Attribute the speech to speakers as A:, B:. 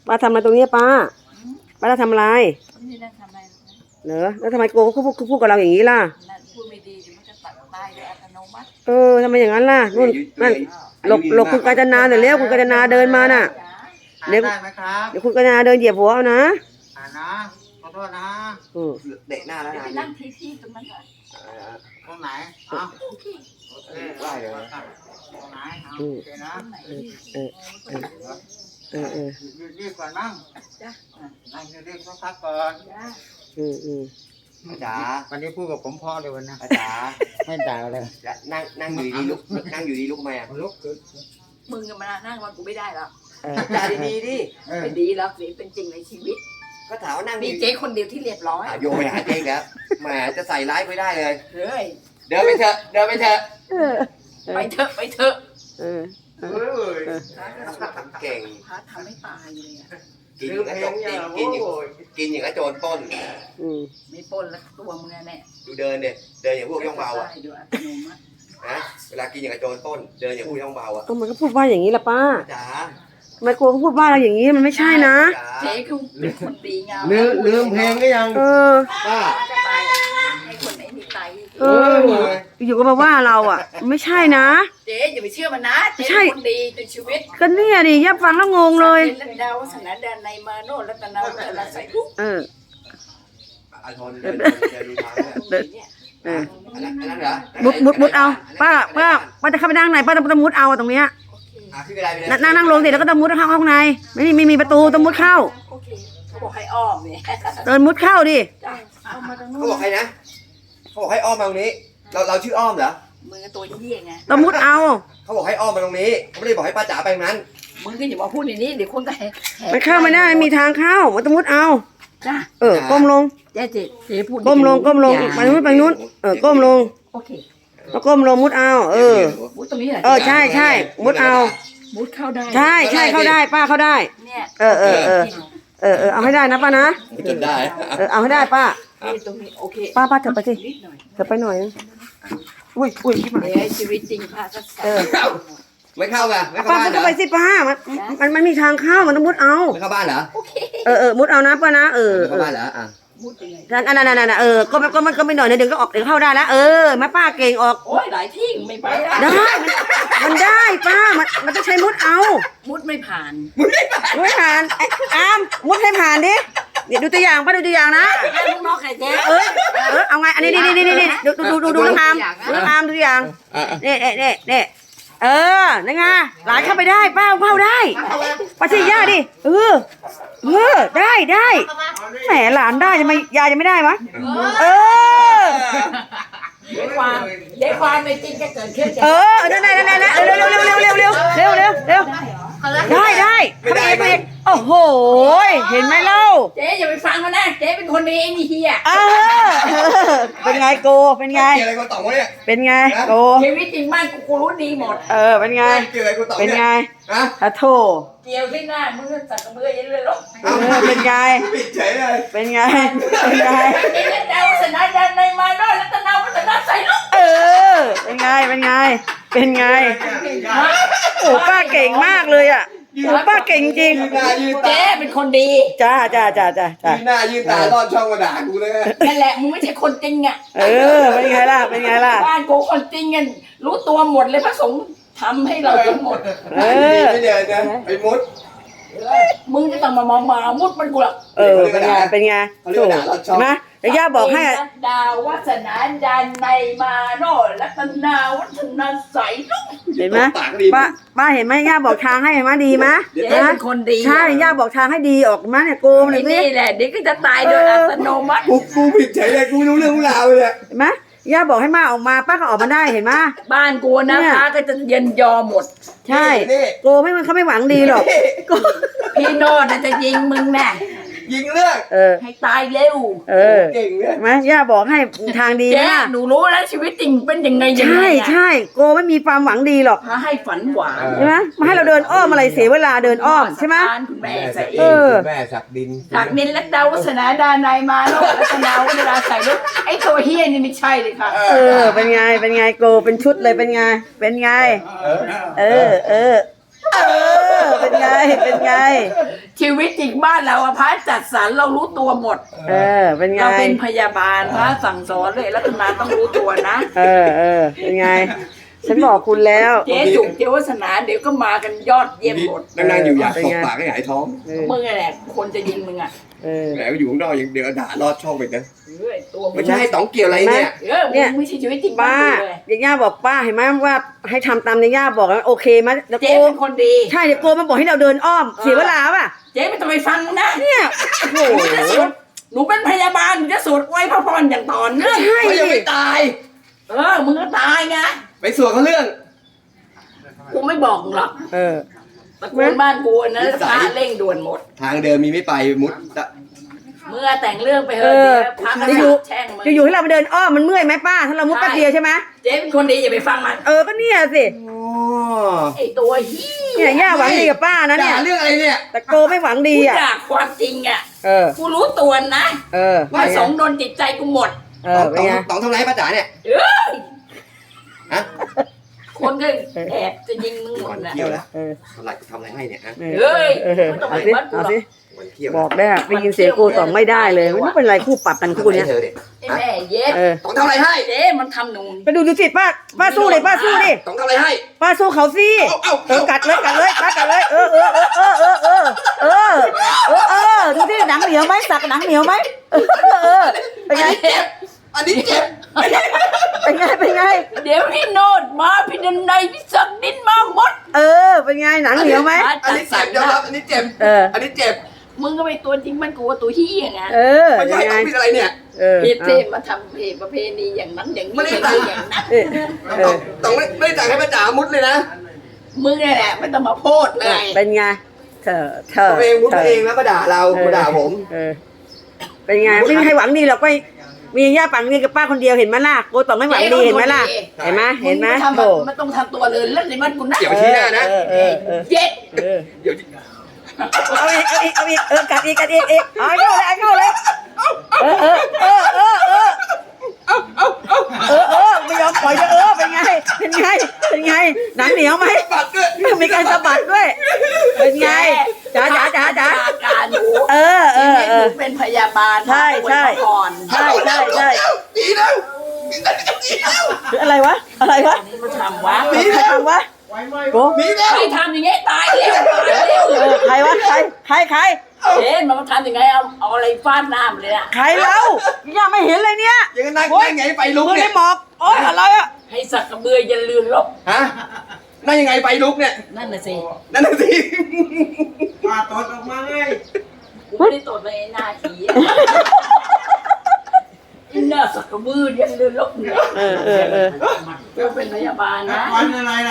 A: ป้าทำอะไรตรงนี้ป้าจะทำอะไร
B: ไม่ได้ทำอะไร
A: เหรอแล้วทำไมโกเขาพูดกับเราอย่างนี้ล่ะ
B: พูดไม่ดีมันจะตัดตายโดยอัตโนมัติ
A: ทำไมอย่างนั้นล่ะนู่นนั่นหลบคุณกาญจนาเดี๋ยวเร็วคุณกาญจนาเดินมาน่ะ
C: เดี๋ยวได้ไหมครับ
A: เดี๋ยวคุณกาญจนาเดินเหยียบหัวเอานะ
C: นะขอโทษนะ
A: เตะหน้าแล้วนะ
B: นั่งที่ตรงนั้นก่อน
C: ตรงไหนได้เลยตรงไหนโอเคนะรีบก่อนนั่งรีบพักก่อน
D: อาจารย์
C: วันนี้พูดกับผมพ่อเลยวันนะ
D: อาจารย์
C: ไม่ด่าเลย
D: นั่งอยู่ดีลุกนั่งอยู่ดีลุกมา
C: ลุก
B: มึงจะมานั่งวันกูไม่ได้แล้ว
D: อาจารย์ดีดิ
B: ไม่ดีแล้วนี่เป็นจริงในชีวิต
D: ก็ถามว่านั่ง
B: มีเจ๊คนเดียวที่เรียบร้อย
D: โยไปหาเจ๊แล้วแหมจะใส่ร้ายไม่ได้เลย
B: เฮ้ย
D: เดินไปเถอะ
B: ไปเถอะ
D: เก่ง
B: พาทำให้ตายเลย
D: กินอย่างกระโจนป้น
B: ไม่ป้นแล้วตัวมึงแน่
D: ดูเดินอย่างพวกย่องเบาอ่ะนะเวลากินอย่างกระโจนป้นเดินอย่างพวกย่องเบาอ่ะ
A: มันก็พูดว่าอย่างนี้ละป้า
D: จ๋า
A: ทำไมโกเขาพูดว่าเราอย่างนี้มันไม่ใช่นะ
B: เจ๊คือเป็นคนดีงาม
C: ลืมเพลงก็ยัง
D: ป้า
B: ให้คนไหนมีไต
A: อยู่ก็มาว่าเราอ่ะไม่ใช่นะ
B: เจ๊อย่าไปเชื่อมันนะเจ๊คนดีในชีวิต
A: ก็เนี่ยดิย่าฟังแล้วงงเลย
B: ดาวสนาดานในมาโนรัตนาวัฒนาใส่ลูก
D: อาชนเดินดูทางเนี่ยอันนั้นเหรอ
A: มุดเอาป้าจะเข้าไปนั่งไหนป้าต้องมุดเอาตรงเนี้ยนั่งลงสิแล้วก็ต้องมุดเข้าข้างในไม่มีประตูต้องมุดเข้า
B: เขาบอกให้อ้อมเนี่ย
A: เดินมุดเข้าดิ
D: เขาบอกให้นะเขาบอกให้อ้อมมาตรงนี้เราชื่ออ้อมเหรอ
B: มึงตัวเยี่ยไง
A: ต้องมุดเอา
D: เขาบอกให้อ้อมมาตรงนี้เขาไม่ได้บอกให้ป้าจ๋าไปตรงนั้น
B: มึงก็อย่ามาพูดอย่างนี้เดี๋ยวคนก็
A: มันเข้าไม่ได้มีทางเข้ามันต้องมุดเอาก้มลง
B: เจ๊พูด
A: ก้มลงไปนู้นก้มลง
B: โอเค
A: แล้วก้มลงมุดเอา
B: มุดตรงนี้เหร
A: อใช่มุดเอา
B: มุดเข้าได้
A: ใช่เข้าได้ป้าเข้าได้
B: เนี่ย
A: เอาให้ได้นะป้านะ
D: จนได้
A: เอาให้ได้ป้า
B: ตรงนี้โอเค
A: ป้าเถอะไปสิเถอะไปหน่อยอุ้ย
B: ที่มาชีวิตจริงป้าก็
D: ไม่เข้าไง
A: ป้าก็ไปสิป้ามันมีทางเข้ามันต้องมุดเอา
D: ไม่เข้าบ้านเหรอ
A: มุดเอานะป้านะ
D: เข้าบ้านเหรอ
B: มุดยังไง
A: นั่นก็ไม่หน่อยเดี๋ยวก็ออกเดี๋ยวเข้าได้แล้วแม่ป้าเก่งออก
B: โอ้ยหลายที่ไม่ไป
A: ได้มันได้ป้ามันต้องใช้มุดเอา
B: มุดไม่ผ่าน
A: มุดให้ผ่านดิเดี๋ยวดูตัวอย่างป้าดูตัวอย่างนะ
B: ลูกน้องไข่เจ๊
A: เอาไงอันนี้นี่ดูน้องอามดูตัวอย่างนี่นั่นไงหลานเข้าไปได้ป้าเข้าได้ป้าชี้ย่าดิได้แหมหลานได้ทำไมยายจะไม่ได้วะ
B: เดี๋ยวความไม่จริงจะเกิดขึ้น
A: นั่นเร็วได้เข้าไปอีกโอ้โหเห็นไหมเล่า
B: เจ๊อย่าไปฟังมันนะเจ๊เป็นคนดีไอ้นี่เฮีย
A: เป็นไงโกเป็นไงเป็นไงโก
B: ชีวิตจริงบ้านกูรู้ดีหมด
A: เป็นไงถ้าโถ
B: เกี่ยวที่หน้ามึงก็จัดกระเบื้องยันเลยหรอก
A: เป็นไงเป็นไง
B: นี่ดาวสนาดันในมาโนรัตนาวัฒนาใส่ลูก
A: เป็นไงโอ้ป้าเก่งมากเลยอ่ะโอ้ป้าเก่งจริง
B: เจ๊เป็นคนดี
A: จ้า
D: หน้ายืนตาลอดช่องมาด่ากูเลย
B: นั่นแหละมึงไม่ใช่คนจริงอ่ะ
A: เป็นไงล่ะ
B: บ้านกูคนจริงกันรู้ตัวหมดเลยพระสงฆ์ทำให้เราทั้งหมด
D: ไม่เดี๋ยวนะไอ้มุด
B: มึงจะต้องมามุดมันกูหรอก
A: เป็นไงถูกนะแต่ย่าบอกให้
B: ดาววัฒนาดันในมาโนรัตนาวัฒนาใสลูก
A: เห็นไหมป้าเห็นไหมย่าบอกทางให้ไหมดีไหม
B: เป็นคนดี
A: ใช่ย่าบอกทางให้ดีออกมาเนี่ยโกงเลย
B: นี่แหละเด็กก็จะตายโดยอัตโนมัติ
D: กูผิดเฉยเลยกูรู้เรื่องราวเลย
A: เห็นไหมย่าบอกให้มาออกมาป้าก็ออกมาได้เห็นไหม
B: บ้านกูนะคะก็จะเย็นยอหมด
A: ใช่โกไม่เขาไม่หวังดีหรอก
B: พี่โนดจะยิงมึงแน่
D: ยิงเลือก
B: ให้ตายเร็ว
D: เก่งเลย
A: ไหมย่าบอกให้ทางดี
B: นะหนูรู้แล้วชีวิตจริงเป็นยังไง
A: ใช่โกไม่มีความหวังดีหรอก
B: มาให้ฝันหวาน
A: ใช่ไหมมาให้เราเดินอ้อมอะไรเสียเวลาเดินอ้อมใช่ไหม
B: แม่ใส่
D: แม่สักดิน
B: และดาววัฒนาดานายมาโนรัตนาเวลาใส่ลูกไอ้ตัวเฮี้ยนี่ไม่ใช่เลยค่ะ
A: เป็นไงโกเป็นชุดเลยเป็นไงเป็นไงเป็นไง
B: ชีวิตจริงบ้านเราอะพระจัดสรรเรารู้ตัวหมด
A: เป็นไง
B: เราเป็นพยาบาลพระสั่งสอนเลยรัตนาต้องรู้ตัวนะ
A: เป็นไง ฉันบอกคุณแล้ว
B: เจ๊จุกเจ๊วัฒนาเดี๋ยวก็มากันยอดเยี่ยมหมด
D: นั่งอยู่อยากตบปากให้หายท้อง
B: มึงแหละคนจะยิงมึงอ่ะ
D: แหมอยู่ข้างนอกยังเดี๋ยวด่าลอดช่องไปนะ
B: ตัวมึ
D: ไม่
B: ง
D: ใช่ต๋องเกี่ยวอะไรเนี่ย
B: มึงไม่ใช่ชีวิตจริง
A: ป้า
B: เลย
A: ย่าบอกป้าเห็นไหมว่าให้ทำตามย่าบอกแล้วโอเคไหมแล้ว
B: เจ๊
A: โก
B: เป็นคนดี
A: ใช่เดี๋ยวโกมันบอกให้เราเดินอ้อมเสียเวลาป่ะ
B: เจ๊ไม่ต้องไปฟังนะ
A: เนี่ยโอ้
B: หนู
A: โห
B: จะสวดหนูเป็นพยาบาลหนูจะสวดไว้พระพรอย่างต่อเนื่อง
A: ใช่
D: เขายังไม่ตาย
B: มึงก็ตายไง
D: ไปสวดเขาเรื่อง
B: กูไม่บอกหรอกตระกูลบ้านกูนะพระเร่งด่วนหมด
D: ทางเดินมีไม่ไปมุด
B: เมื่อแต่งเรื่องไปเถอะเดี๋ยวพระก็แช่งมึง
A: อยู่ให้เราไปเดินอ้อมมันเมื่อยไหมป้าถ้าเรามุดแป๊บเดียวใช่ไหม
B: เจ๊เป็นคนดีอย่าไปฟังมัน
A: ก็เนี่ยสิ
B: ไอตัวเฮี
A: เนี่ยย่าหวังดีกับป้านะเนี่ย
D: ด่าเรื่องอะไรเนี่ย
A: แต่โกไม่หวังดี
B: กู
A: อ่ะ
B: อยากความจริงอ่ะ
A: เออ
B: กูรู้ตัวนะ
A: เป็
B: ว่าน
A: ไง
B: สงโดนจิตใจกูหมด
A: เป็นไง
D: ต๋องทำไรป้าจ๋าเนี่ย
B: เอ้ย
D: ฮะ
B: คนก็แอบจะยิงมึงหม
D: วั
B: ด
D: น
B: นะ
D: เที่ยวแล้วทำอะไรให้เนี่ยฮะ
B: เฮ้ยไม่ต้องไป
A: เอาสิ
B: วัดกู
A: เอา
B: หรอก
A: สิ
D: วันเที่ยว
A: บอกได้ได้ยินเสียงโกต่อไม่ได้เลยไม่รู้เป็นไรคู่ปรับกันคู่เนี้ย
D: เธอเด็ก
B: ไอ้แม่เย็ด
D: ต๋องทำอะไรให้
B: เจ๊มันทำหนู
A: ไปดูสิป้าสู้เลยป้าสู้ดิ
D: ต๋องทำอะไรให้
A: ป้าสู้เขาสิกัดเลยป้ากัดเลยดูที่หนังเหนียวไหมสักหนังเหนียวไหมเป็นไง
D: อันนี้เจ็บ
A: เป็นไง
B: เดี๋ยวพี่โนดมาพี่ดันในพี่สักดินมาหมด
A: เป็นไงหนังเหนียวไหม
D: อันนี้เจ็บยอมรับอันนี้เจ็บอันนี้เจ็บ
B: มึงก็ไปตัวจริงมันกูว่าตัวเฮียไง
D: ไม่ใช่ต้องผิดอะไรเนี่ย
B: ผิดเทมาทำเพศประเพณีอย่างนั้นอย่างนี้อย่างนั้น
D: ต้องไม่ได้จ่ายให้ป้าจ๋ามุดเลยนะ
B: มึงนี่แหละไม่ต้องมาพูดเลย
A: เป็นไงเธอ
D: ตัวเองมุดตัวเองแล้วมาด่าเรามาด่าผม
A: เป็นไงไม่มีใครหวังดีหรอกไปมีย่าปังนี่กับป้าคนเดียวเห็นไหมล่ะโกต่อไม่หวังดีเห็นไหมล่ะเห็นไหมโถ
B: มันต้องทำตัวเลยเล่นในบ้านกูนะ
D: อย่าไปชี้หน้านะ
B: เย็ด
D: เดี๋ยว
A: เอาอีกกัดอีกเอาเข้าเลยไม่ยอมปล่อยเป็นไงหนังเหนียวไหม
D: ปัดด้วย
A: มีการสะบัดด้วยเป็นไงจ๋า
B: การหนูเป็นพยาบาล
A: ก่อน ใช่
D: ดีแล้ว
A: อะไรวะ
B: นี่มาทำวะ
A: ใครทำวะโก
D: ดีแล้ว
B: ใครทำอย่างเงี้ยตายเร็วเลย
A: ใครวะใคร
B: เอ๊ะมันทำยังไงเอาอะไรฟาดหน้ามันเลยอะ
A: ใครเล่ายังไม่เห็นเลยเนี่ย
D: ยังนั่งไงไฟลุก
A: มือ
D: เนี่
A: ใน
D: ย
A: หมอกอะไรอ่ะ
B: ให้สักกระเบือยันเรือนลบ
D: ฮะนั่งยังไงไฟลุกเนี่ย
B: นั่นน่ะสิ
D: นั่นน่ะสิ
C: มาตดออกมาไง
B: กูไม่ได้ตดเลยไอ้หน้าผีหน้าสักกระเบือยันเรือนลบเนี่ยกูเป็นพยาบาลนะ
C: วันอะไรล่ะ